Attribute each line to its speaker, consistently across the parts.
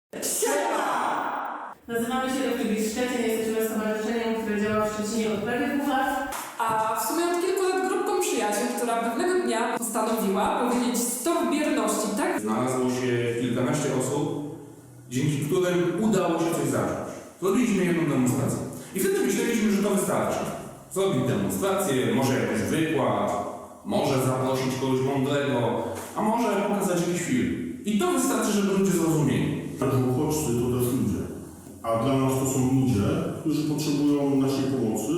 Speaker 1: Nazywamy się Refugees Szczecin, jesteśmy stowarzyszeniem, które działa w Szczecinie od prawie 2 lat.
Speaker 2: A w sumie od kilku lat grupką przyjaciół, która pewnego dnia postanowiła powiedzieć stop bierności, tak?
Speaker 3: Znalazło się kilkanaście osób, dzięki którym udało się coś zacząć. Zrobiliśmy jedną demonstrację. I wtedy myśleliśmy, że to wystarczy. Zrobić demonstrację, może jakiś wykład, może zaprosić kogoś mądrego, a może pokazać jakiś film. I to wystarczy, żeby ludzie zrozumieli.
Speaker 4: Uchodźcy to też ludzie, a dla nas to są ludzie, którzy potrzebują naszej pomocy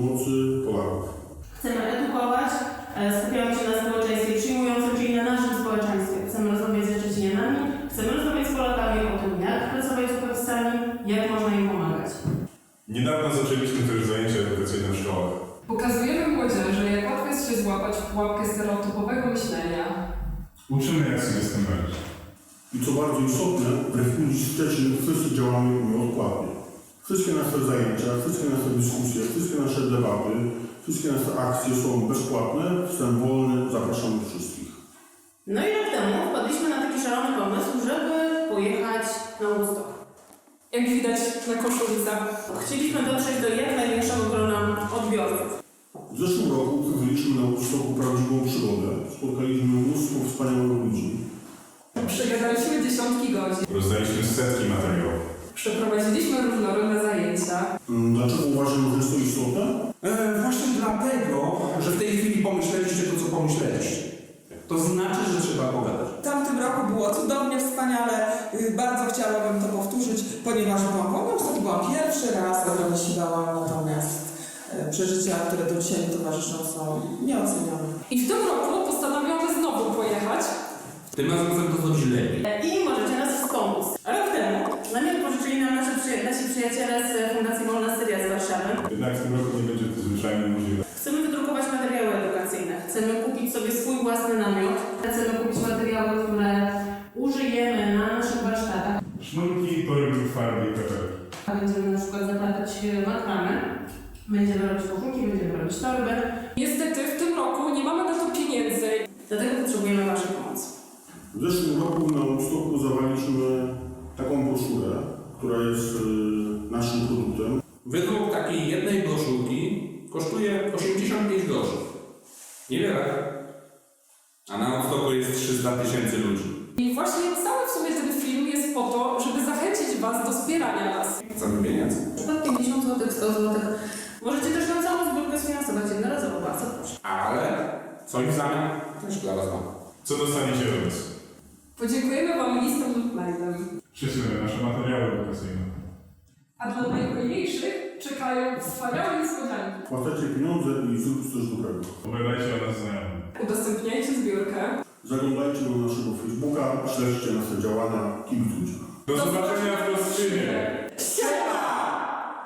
Speaker 4: Polaków.
Speaker 1: Chcemy edukować, skupiamy się na społeczeństwie przyjmującym, czyli na naszym społeczeństwie. Chcemy rozmawiać ze Szczecinianami, chcemy rozmawiać z Polakami o tym, jak pracować z uchodźcami, jak można im pomagać.
Speaker 5: Niedawno zaczęliśmy też zajęcia edukacyjne w szkołach.
Speaker 2: Pokazujemy młodzieży, jak łatwo jest się złapać w pułapkę stereotypowego myślenia.
Speaker 5: Uczymy, jak sobie z tym radzić.
Speaker 4: I co bardzo istotne, w Refugees Szczecin wszyscy działamy nieodpłatnie. Wszystkie nasze zajęcia, wszystkie nasze dyskusje, wszystkie nasze debaty, wszystkie nasze akcje są bezpłatne, wstęp wolny, zapraszamy wszystkich.
Speaker 1: No i rok temu wpadliśmy na taki szalony pomysł, żeby pojechać na Woodstock.
Speaker 2: Jak widać na koszulcach.
Speaker 1: Chcieliśmy dotrzeć do jak największego grona odbiorców.
Speaker 4: W zeszłym roku przeżyliśmy na Woodstocku prawdziwą przygodę. Spotkaliśmy mnóstwo wspaniałych ludzi.
Speaker 2: Przegadaliśmy dziesiątki godzin.
Speaker 5: Rozdaliśmy setki materiałów.
Speaker 2: Przeprowadziliśmy różnorodne zajęcia.
Speaker 4: Dlaczego uważam, że jest to istotne?
Speaker 3: Właśnie dlatego, że w tej chwili pomyśleliście to, co pomyśleliście. To znaczy, że trzeba pogadać.
Speaker 6: W tamtym roku było cudownie, wspaniale. Bardzo chciałabym to powtórzyć, ponieważ byłam wolną, to byłam pierwszy raz, ogromnie się bałam, natomiast przeżycia, które do dzisiaj mi towarzyszą, są nieocenione.
Speaker 2: I w tym roku postanowiono znowu pojechać.
Speaker 3: Tym razem chcę to zrobić lepiej.
Speaker 1: I możecie nas wspomóc. Rok temu namiot pożyczyli nam nasi przyjaciele z Fundacji Wolna Syria z Warszawy.
Speaker 5: Jednak w tym roku nie będzie to zwyczajnie możliwe.
Speaker 1: Chcemy wydrukować materiały edukacyjne. Chcemy kupić sobie swój własny namiot. Chcemy kupić materiały, które użyjemy na naszych warsztatach.
Speaker 5: Sznurki, torby, farby i kaczerki.
Speaker 1: Będziemy na przykład zaplatać makramę. Będziemy robić koszulki, będziemy robić torby.
Speaker 2: Niestety w tym roku nie mamy na to pieniędzy.
Speaker 1: Dlatego potrzebujemy Waszej pomocy.
Speaker 4: W zeszłym roku na Woodstocku zawaliśmy taką broszurę, która jest naszym produktem.
Speaker 3: Wydruk takiej jednej broszurki kosztuje 85 groszy. Niewiele. A na Woodstocku jest 300 000 ludzi.
Speaker 2: I właśnie cały w sumie ten film jest po to, żeby zachęcić Was do wspierania nas.
Speaker 3: Chcemy pieniędzy.
Speaker 1: Na przykład 50 zł, 100 zł. Możecie też nam całą zbiórkę sfinansować jednorazowo, bardzo proszę.
Speaker 3: Ale coś w zamian też dla Was mam.
Speaker 5: Co dostaniecie od nas?
Speaker 2: Podziękujemy Wam listem lub mailem.
Speaker 5: Przyślemy nasze materiały edukacyjne.
Speaker 2: A dla najhojniejszych czekają wspaniałe niespodzianki.
Speaker 4: Płacacie pieniądze i zróbcie coś dobrego.
Speaker 5: Opowiadajcie o nas znajomym.
Speaker 2: Udostępniajcie zbiórkę.
Speaker 4: Zaglądajcie do naszego Facebooka, śledźcie nasze działania, kibicujcie.
Speaker 5: Do zobaczenia w Kostrzynie!